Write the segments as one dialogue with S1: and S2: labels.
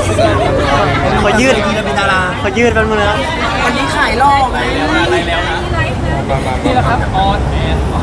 S1: ขอยืด
S2: ทีเราเป็นดารา
S1: ขอยืดแป๊บนึงนะ
S2: วันนี้ขายล่อไงอะไรแล้วนะ
S3: นี่แหละครับออนแอนมา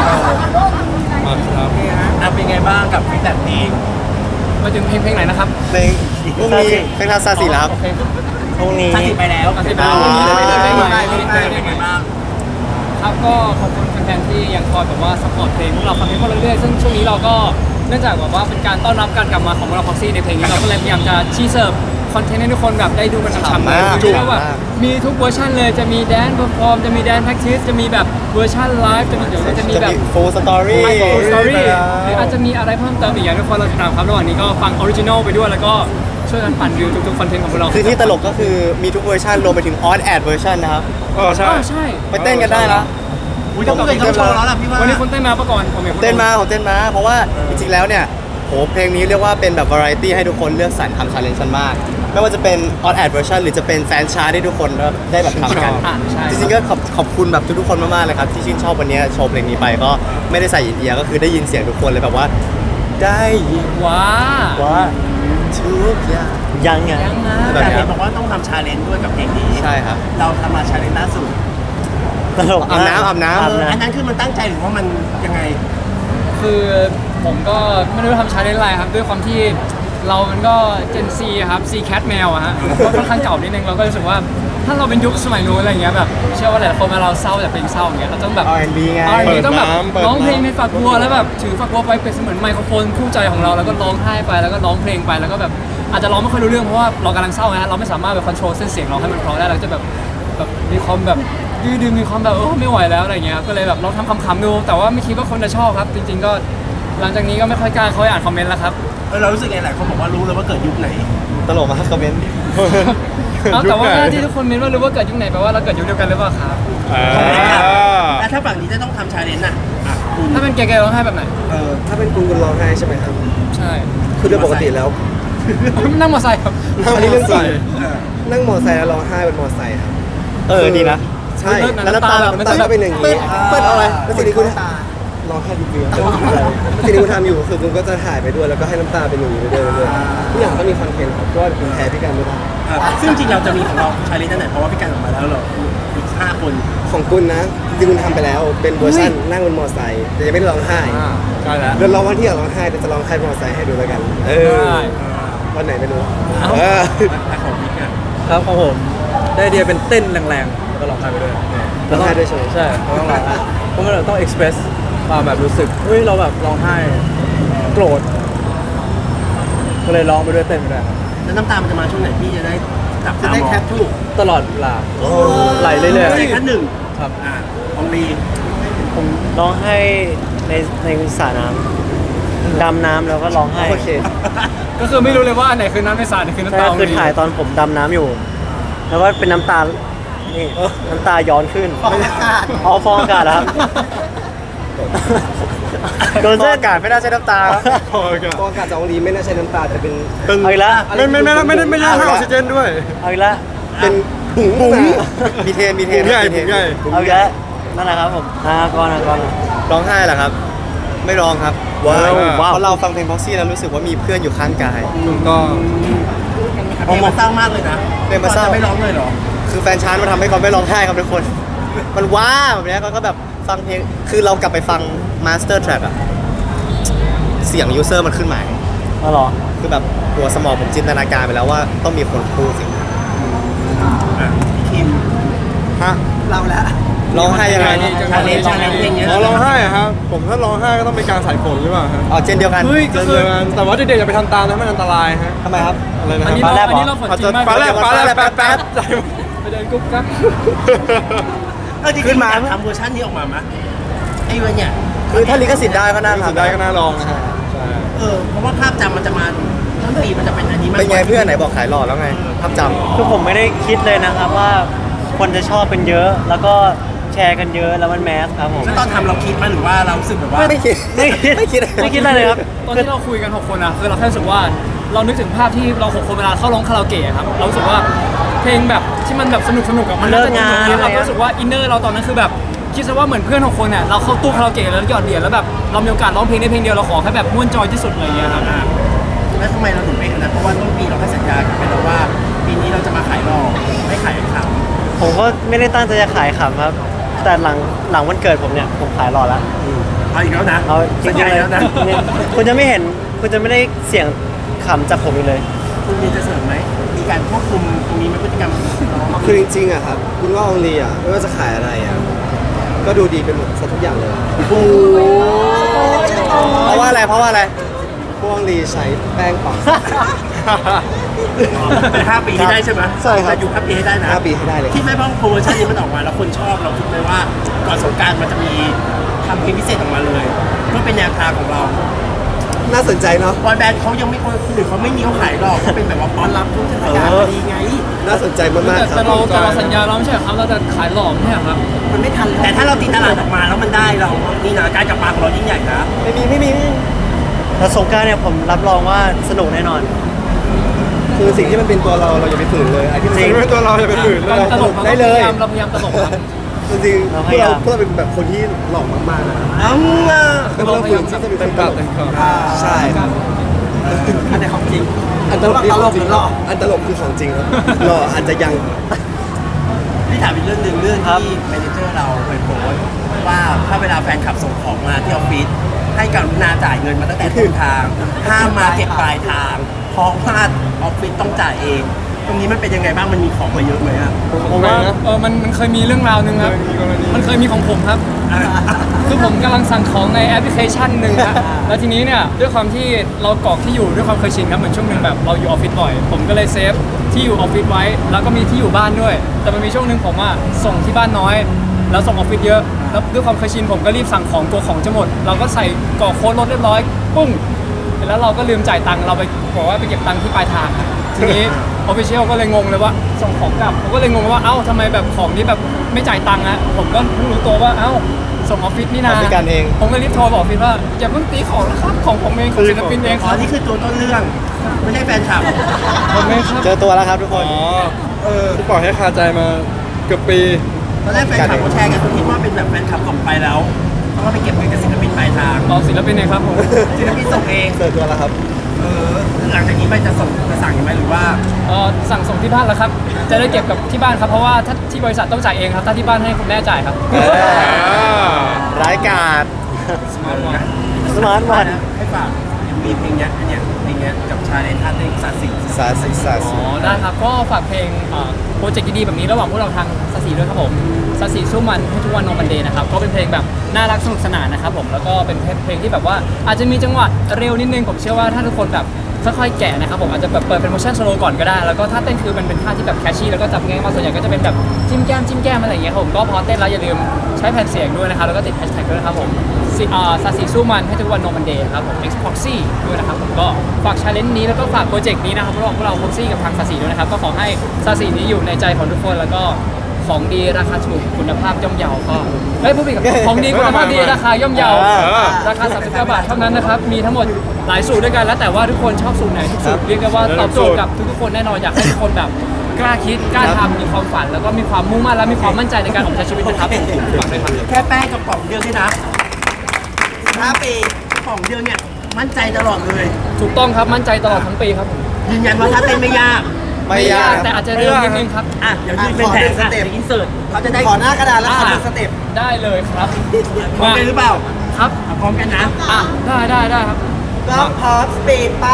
S3: ครับ
S2: เป็นไงบ้างกับฟีดแบ็กเพลง
S3: มาถึงเพลงไหนนะครับ
S4: เพลงพรุ่งนี้เพลงทาซาสีแล้วครับ
S3: โอเค
S1: พรุ่งนี้
S2: 30ไปแล้ว
S3: 30ไป
S2: แล้
S3: แล้ว
S2: เป็นไงบ้าง
S3: ครับก็ขอบคุณแฟนๆที่ยังคอยแบบว่าซัพพอร์ตเพลงพวกเราฟังเพลงพวกเราเรื่อยๆซึ่งช่วงนี้เราก็เนื่องจากแบบว่าเป็นการต้อนรับการกลับมาของพวกเราพ็อกซี่ในเพลงนี้เราก็เลยพยายามจะชี้เสิร์ฟคอนเทนต์ให้ทุกคนแบบได้ดูกันฉ่ำๆเลยคือว่าแบบมีทุกเวอร์ชันเลยจะมีแดนเพอร์ฟอร์มจะมีแดนแพ็กทิสจะมีแบบเวอร์ชันไลฟ์จะมีแบบ
S4: ฟูลสตอรี่
S3: สตอรี่หรืออาจจะมีอะไรเพิ่มเติมอีกอย่างทุกคนเราติดตามครับระหว่างนี้ก็ฟังออริจินอลไปด้วยแล้วก็ช่วยกันปั่นวิวทุกๆคอนเทนต์ของพวกเรา
S4: คือที่ตลกก็คือมีทุกเวอร์ชันรวมไปถึงออนแอดเวอร์ชันนะครับ
S3: ใช่ใช่
S4: ไปเต้นกันได้นะ
S2: อุ้ยต้องเป็นโชว์แล้วล่ะพี่ว่า
S3: วันนี้คุณเต้นมาปะก่อนผมเห็นคุณ
S4: เต้นมาผมเต้นมาเพราะว่าจริงๆแล้วเนี่ยโหเพลงนี้เรียกว่าเป็นแบบวาไรตี้ให้ทุกคนเลือกสรรทำชาเลนจ์กันมาก ไม่ว่าจะเป็นออนแอดเวอร์ชันหรือจะเป็นแฟนชาร์ตที่ทุกคนได้แบบทำกัน
S3: ใช่
S4: จริงๆก็ขอบคุณแบบทุกๆคนมากๆเลยครับที่ชื่นชอบวันนี้โชว์เพลงนี้ไปก็ไม่ได้ใส่อินเดียก็คือได้ยินเสียงทุกคนเลยแบบว่า ได้ยิน
S3: ว้า
S4: ว่าทุกอย่าง
S1: ยังไง
S3: ยังนะ
S2: แต่เห็นบอกว่าต้องทำชาเลนจ์ด้วยกับเพลงนี้
S4: ใช่ครับ
S2: เราทำมาชาเลนจ์ล่าสุด
S1: ตลกมก
S4: อาบน้ำ
S2: อันนั้นคือมันตั้งใจหรือว่ามันยังไง
S3: คือผมก็ไม่รู้ทำชาเลนจ์อะไรครับด้วยความที่เรามันก็เจนซีครับซีแคทแมวอะฮะก็ค่อนข้างเก่านิดนึงเราก็รู้สึกว่าถ้าเราเป็นยุคสมัยนู้นอะไรเงี้ยแบบเชื่อว่าหลายคนเวลาเราเศร้าจากเพลงเศร้าอย่างเงี้ยเราต้องแบบ
S4: R&B ไง
S3: R&B ต้องแบบร้องเพลงในฝักบัวแล้วแบบถือฝักบัวไปเป็นเสมือนไมโครโฟนคู่ใจของเราแล้วก็ร้องไห้ไปแล้วก็ร้องเพลงไปแล้วก็แบบอาจจะร้องไม่ค่อยรู้เรื่องเพราะว่าเรากำลังเศร้าไงฮะเราไม่สามารถแบบคอนโทรลเส้นเสียงเราให้มันเพราะได้เราจะแบบมีความแบบดื้อๆมีความแบบไม่ไหวแล้วอะไรเงี้ยก็เลยแบบลองทำคำๆดูแต่ว่าไม่คิดว่าคนจะชอบครับจริงๆก็หลังจากนี้ก็ไม่ค่อยกล้าเขาอ่านคอมเมนต์แล้วครับ
S2: เรารู้สึกไงหลายคนบอกว่ารู้เลยว่าเกิดยุคไหน
S4: ตลกมากคอมเมนต์
S3: เอาแต่ว่าที่ทุกคนเมนว่ารู้ว่าเกิดยุคไหนแปลว่าเราเกิดยุคเดียวกันหรือเปล่าครับ
S2: แล้วถ้าฝั่งนี้จะต้องทำชาเลนจ์อะคุณ
S3: ถ้าเป็นแกร้องไห้แบบไหน
S5: ถ้าเป็นคุณร้องไห้ใช่ไหมครับ
S3: ใช่
S5: คือโดยปกติแล้ว
S3: นั่งมอเตอร์ไซค์ครับ
S5: อันนี้เรื่องจริงนั่งมอไซค์แล้วร้องไห้เป็นมอไซค์ครับ
S4: ดีนะ
S5: ใช่
S4: แล้วน้ำตาแบบ
S5: น้ำตาก็เป็นอย่างนี้
S4: เปิดเอาอะไร
S5: แล้วสิ่งที่คุณร้องไห้ดีๆแล้วสิ่งที่คุณทำอยู่คือคุณก็จะถ่ายไปด้วยแล้วก็ให้น้ำตาเป็นอย่างนี้ไปด้วยเรื่อยๆทุกอย่างก็มีคอนเทนต์ครับก็คุณแพ้พี่กันไม่ได้
S2: ซึ่งจริงเราจะมีของเราชาเลนจ์อันไหนเพราะว่าพี่การออกมาแล้วเราอีก5 คน
S5: ของคุณนะจริงๆคุณทำไปแล้วเป็นเวอร์ชันนั่งบนมอไซค์แต่ยังไม่ได้ร้องไห้
S3: ใช่แล้ว
S5: เดี๋ยวร้องวันที่อยากร้องไห้เดี๋ยวจะร้องไห้บนมอไซค์ให้ดูแล้วกันวันไหนไม่รู้
S2: แต่ของพี่กัน
S6: ครับของผมได้ไอเดียเป็นเต้นแรงๆก็ร้องไห้ไปด้วย
S5: ร้องไห้ด้วยใช่ไหม
S6: ใช่เพราะต้องร้องไห้เพราะมันต้อง express ความแบบรู้สึกเฮ้ยเราแบบร้องไห้โกรธก็เลยร้องไปด้วยเต้นไปด้วยครับ
S2: แล้วน้ำตามันจะมาช่วงไหนพี่จะได้จับตามอง
S6: ตลอดเวลาไหลเรื่อย
S2: ใช่ขั้นหนึ่ง
S6: ๆครับ
S2: ของลี
S1: ผมร้องไห้ในสระน้ำดำน้ำแล้วก็ร้องไห้
S4: โอเค
S3: ก็คือไม่รู้เลยว่าอันไหนคือน้ำในสระไหนคือน้ำ
S1: ใช่
S3: ตา
S1: คือถ่ายตอนผมดำน้ำอยู่ แล้วก็เป็นน้ำตา นี่น้ำตาย้อนขึ้นอ๋อฟองอากาศเหรอครับโดน
S4: ฟอง
S1: เส้น
S4: อากาศไม่น่าใช่น้ำตาครับ
S5: กองอากาศจากองลีไม่น่าใช่น้ำตาแต่เป็น
S1: เอาอีกแล้ว
S5: ไม่ใช่ให้ออกซิเจนด้วย
S1: เอาอีกแล้ว
S5: เป็นบุ๋ง
S4: มีเทน
S1: เอาอีกแล้วนั่นแหละครับผมก่อน
S4: ร้องไห้เหรอครับ ไม่ร้องครับ
S1: ว้าว
S4: เพราะเราฟังเพลงพ็อกซี่แล้วรู้สึกว่ามีเพื่อนอยู่ข้างกาย
S6: ถูกต้อง
S2: เพลงมันเศร้ามากเลยนะ
S4: เพลงมันเศร้า
S2: จะไม่ร้องเลยเหรอ
S4: คือแฟนชาร์ตมันทำให้เขาไม่ร้องไห้ครับทุกคน มันว้าแบบเนี้ยเขาก็แบบฟังเพลง คือเรากลับไปฟัง Master Track อะเสียงยูเซอร์มันขึ้นมา
S1: เอาเหรอ
S4: คือแบบหัวสมองผมจินตนาการไปแล้วว่าต้องมีคนพูดสิ่งนั้น
S2: พี่คิม
S6: ฮะ
S2: เราละ
S4: ร้องไห้ยังไง
S2: ชาเลนจ์เพลงเนี้ย
S6: ร้องไห้อะครับผมถ้าร้องไห้ก็ต้องเป็นการสายฝนหรือเปล่าฮะ
S4: อ๋อเจนเดียวกัน
S3: เฮ้ยก็คือ
S6: แต่ว่าเด็กๆอย่าไปทำตามนะมันอันตรายฮะ
S4: ทำไมครับ
S6: อะไรนะ
S3: อันนี้
S6: ค
S3: เรา
S6: รับ
S3: อันนี้เราฝนจริงมาก
S6: ฟ้าแลบแป๊บใจ
S3: ไปเดินกุ๊บครับ
S2: จริงๆอยากทำเวอร์ชันนี้ออกมาไหมไอ้วันเนี่ย
S4: คือถ้าลิขสิทธิ์ได้ก็น่า
S6: รู้สึก
S4: ทำ
S6: ได้ก็น่าลองนะฮะใช่
S2: เพราะว่าภาพจำมันจะมาต้นปีมันจะเป็นอันนี้มาก
S4: เป็นไงเพื่อนไหนบอกขายหล่อแล้วไงภาพจำ
S1: คือผมไม่ได้คิดเลยนะครับว่าคนจะชอบเป็นเยอะ แล้วก็แชร์กันเยอะแล้วมันแมสครับผม
S2: แล้วตอนทำเราคิดมั้ยหรือว่าเรารู้สึกแบบว่า
S4: ไม่คิด
S1: ไม่คิด
S4: ไม่คิด
S1: ไม่คิดอะไรเลยครับ
S3: ตอนที่เราคุยกัน6คนอะคือเราแค่รู้สึกว่าเรานึกถึงภาพที่เรา6คนเวลาเข้าร้องคาราโอเกะครับเรารู้สึกว่าเพลงแบบที่มันแบบสนุกอะมันน่าจะดีกว่านี้เรารู้สึกว่าอินเนอร์เราตอนนั้นคือแบบคิดซะว่าเหมือนเพื่อน6คนอะเราเข้าตู้คาราโอเกะแล้วหยอดเหรียญแล้วแบบเรามีโอกาสร้องเพลงได้เพลงเดียวเราขอแค่แบบม่วนจอยที่สุดอะไรอย่างเงี้ยครับ
S2: แล้วทำไมเราถึงเป็นนะเพราะว่าต้นปีเราให้สัญญากับ
S1: ผมก็ไม่ได้ตั้งใจจะขายขำครับ แต่หลังวันเกิดผมเนี่ยผมขายหล่อแล้ว
S2: เอาอีกแล้วนะ
S1: เอาจ
S2: สัญ
S1: ริง
S2: ญา
S1: ๆเลย
S2: แล้วนะ
S1: เนี่ยคุณจะไม่เห็นคุณจะไม่ได้เสียงขำจากผมอีกเลย
S2: คุณมีจะเสริมไหมมีการควบคุมตรงนี้ไหมพฤติกรรมน้อง
S5: คือจริงๆอะครับคุณว่าองลีอะไม่ว่าจะขายอะไรอะก็ดูดีเป็นหมดซะทุกอย่างเลย
S4: เพราะว่าอะไรเพราะว่าอะไร
S5: พวกองลีใช้แป้งปัง
S2: เป็น5 ปีให้ได้ใช่ไหม
S5: ใช่ครับ
S2: จะอยู่5 ปีให้ได้นะ
S5: 5 ปีให้ได้เลย
S2: คิดไหมว่าโปรโมชั่นนี้มันออกมาแล้วคนชอบเราคิดไหมว่าก่อนสงกรารมันจะมีทำเพลงพิเศษออกมาเลยเพื่อเป็นแนวทางของเรา
S5: น่าสนใจเนาะ
S2: บอยแบนด์เขายังไม่คนอื่นเขาไม่มีเขาขายหรอกเขาเป็นแบบว่าป้อนรับทุกเทศกาลพอดีไง
S5: น่าสนใจมากๆครั
S3: แต่
S5: บ
S3: เราสัญญาเราไม่ใช่เหรอครับเราจะขายหลอมไม่ใช่เหรอครับ
S2: มันไม่ทันแต่ถ้าเราตีตลาดออกมาแล้วมันได้เรานี่นะการกลับมาของเรายิ่งใหญ่นะ
S1: ไม่มีแต่สงกรานต์เนี่ยผมรับรองว่าสนุกแน่นอน
S5: คือสิ่งที่มันเป็นตัวเราอย่าไปฝืนเลยไอ้ที่มันไม่เป็นตัวเราอย่าไปฝืนเลย
S3: ตลก
S5: ได้เลย
S3: เราพยายามตลกครับ
S5: จริงๆพวกเราเป็นแบบคนที่หล่อมากๆนะ
S2: อ้าว
S5: คือเราฝืนที่จะเป็นคนตลกใช่
S2: อันไหนของจริง
S5: อันตลกที่ของจริงอันตลกคือของจริงครับหล่ออาจจะยัง
S2: พี่ถามอีกเรื่องหนึ่งเรื่องที่แมเนเจอร์เราเคยโพสต์ว่าถ้าเวลาแฟนคลับส่งของมาที่ออฟฟิศให้กรุณาจ่ายเงินมาตั้งแต่ต้นทางห้ามมาเก็บปลายทางเพราะว่าออฟฟิศต้องจ่ายเอง ตรงนี้มันเป็นยังไงบ้างมันมีของมาเยอะไหมอ่ะ
S3: ผมว่ามันเคยมีเรื่องราวหนึ่งครับ มันเคยมีของผมครับ คือผมกำลังสั่งของในแอปพลิเคชันหนึ่งครับแล้วทีนี้เนี่ยด้วยความที่เรากรอกที่อยู่ด้วยความเคยชินครับเหมือนช่วงหนึ่งแบบเราอยู่ออฟฟิศบ่อย ผมก็เลยเซฟที่อยู่ออฟฟิศไว้ แล้วก็มีที่อยู่บ้านด้วย แต่มันมีช่วงหนึ่งผมอะส่งที่บ้านน้อย แล้วส่งออฟฟิศเยอะ แล้วด้วยความเคยชินผมก็รีบสั่งของตัวของจะหมด เราก็ใส่กรอกโค้ดรถเรียบร้อย ปุ้ง แล้วเราก็ลืมจ่ายตังค์เราไปบอกว่าไปเก็บตังค์ที่ปลายทางครับทีนี้ออฟฟิเชียลก็เลยงงเลยว่าส่งของกลับผมก็เลยงงว่าเอ้าทำไมแบบของนี้แบบไม่จ่ายตังค์อะผมก็เพิ่งรู้ตัวว่าเอ้าส่งออฟฟิศนี่นา
S4: ออฟฟิศกันเอง
S3: ผมก็รีบโทรบอกออฟฟิศว่าอย่าเพิ่งตีของนะครับของผมเองของศิลปินเองค
S2: อ๋อ
S3: รับ
S2: นี่คือตัวต้นเรื่อง ไม่ใช่แฟนคลับ
S3: ผมเองครับ
S1: เจอตัวแล้วครับทุกคน
S6: ที่ปล่อยให้คาใจมาเกือบปี
S2: ตอนแรกแฟนคลับเขาแชร์กันเขาคิดว่าเป็นแบบแฟนคลับส่งไปแล้วต้องเอาไปเก็บเงินกับศิลปินปลายทาง
S3: รอศิลปินเองครับผม
S2: ศิลปินส่งเอง
S5: เจอตัวแล้วครับ
S2: หลังจากนี้ไปจะส่งจะสั่งยังไหมหรือว่า
S3: สั่งส่งที่บ้านแล้วครับ จะได้เก็บกับที่บ้านครับเพราะว่าถ้าที่บริษัทต้องจ่ายเองครับถ้าที่บ้านให้คุณแม่จ่ายครับ
S1: ร้ายกาจ สมาร์ทวัน
S2: ให้ฝากมีเพลงเนี้ยอันเนี้ยเพลงเนี้ยกับชาเลนจ์ท่าเต้นสาสิ
S5: สาสิสา
S3: อ๋
S5: สิ
S3: อได้ครับก็ฝากเพลงโปรเจกต์ดีๆแบบนี้ระหว่างพวกเราทางสสีด้วยครับผมสสีสู้มันให้ทุกวันโนมันเดย์นะครับก็เป็นเพลงแบบน่ารักสนุกสนานนะครับผมแล้วก็เป็นเพลงที่แบบว่าอาจจะมีจังหวะเร็วนิดนึงผมเชื่อว่าถ้าทุกคนแบบค่อยๆแกะนะครับผมอาจจะแบบเปิดเป็นโมชั่นสโลว์ก่อนก็ได้แล้วก็ท่าเต้นคือมันเป็นท่าที่แบบแคชชี่แล้วก็จับง่ายมากส่วนใหญ่ก็จะเป็นแบบจิ้มแก้มอะไรอย่างเงี้ยครับผมก็พอเต้นแล้วอย่าลืมใช้แผ่นเสียงด้วยนะครับแล้วก็ติดแฮชแท็กด้วยนะครับผมสสีสู้มันให้ทุกวันโนมันเดย์ครับผม X Proxy ด้วยนะครับผมก็ฝากชาเลนจ์นี้แล้วก็ฝากโปรเจกต์นี้นะครับระหว่างพวกเรา Proxy กับทางสสีด้วยนะครับก็ขอให้สสีนี้อยู่ในใจของทุกคนแล้วก็ของดีราคาถูกคุณภาพย่อมเยาก็เฮ้ยพูดผิดกับของดีคุณภาพดีราคาย่อมเยาราคา39 บาทเท่านั้นนะครับมีทั้งหมดหลายสูตรด้วยกันแล้วแต่ว่าทุกคนชอบสูตรไหนทุกสูตรเรียกได้ว่าตอบโจทย์กับทุกๆคนแน่นอนอยากให้ทุกคนแบบกล้าคิดกล้าทำมีความฝันแล้วก็มีความมุ่งมั่นและมีความมั่นใจในการออกใช้ชีวิตนะครับฝากด้วยครับ
S2: แค่แป้งกับกล่องเดียวนี่นะ5 ปีกล่องเดียวเนี่ยมั่นใจตลอดเลย
S3: ถูกต้องครับมั่นใจตลอดทั้งปีครับผม
S2: ยืนยันว่าถ้าเต้นไม่ยาก
S4: ไม่ยาก
S3: แต่อาจจะเร็วนิดนึงครับ
S2: อ่ะเดี๋ยวยืนเป็นแผนอ่ะเดี๋ยวอินเสิร์ตเขาจะได้
S5: ขอหน้ากระดาษแล้วขอดูสเต็ป
S3: ได้เลยครับ
S2: พร้อมกันหรือเปล่า
S3: ครับ
S2: พร้อมกันนะ
S3: อ่ะได้ครับ
S5: ก็พร้อมสปีดไป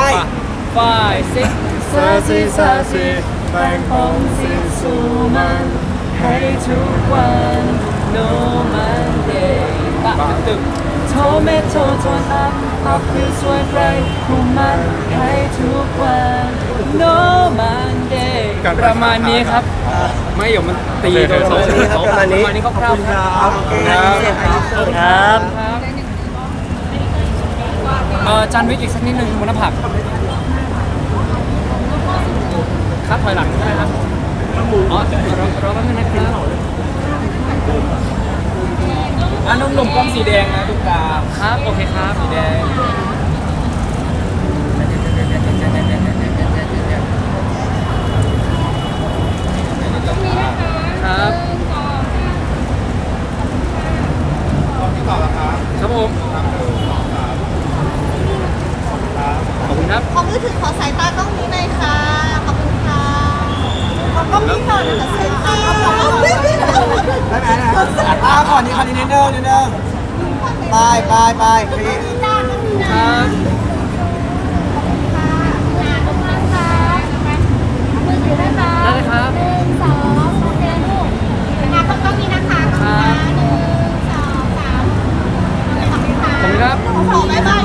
S3: 5 6 ซาซีแบ่งของสิ้นสู่มันให้ทุกวัน no Monday ปะตึกโทเมโทโทนับอัพคือสวยไกรคุมมันให้ทุกวัน no Monday ประมาณนี้ครับ ไม่เดี๋ยวมันตีโดน
S5: ประมาณนี้
S3: ประมาณนี้คร่าวๆครับ
S1: ครับ
S3: จันวิกอีกสักนิดนึงบนหน้าผากครับถอยหลังได้ครับอ๋อรอแป๊บนึงนะครับหนุ่มๆกล้องสีแดงนะทุกตาครับโอเคครับสีแดงครับครับผมขอบคุณครับ
S7: ขอมือถือขอสายตากล้องนี้หน่อยค่ะ ขอบคุณค่ะก็มีก่อนแต่เซ็นเตอร์
S5: ได้ไหมนะขอนี้นิดนึงไปพี่
S3: ครับ ได้เลยครับ
S7: 1 2โอเคลูกนะคะต้องมีนะคะต้องมีนะ1 2 3ขอบคุณค่ะ
S3: ขอบคุณครับ
S7: ขอบ๊ายบาย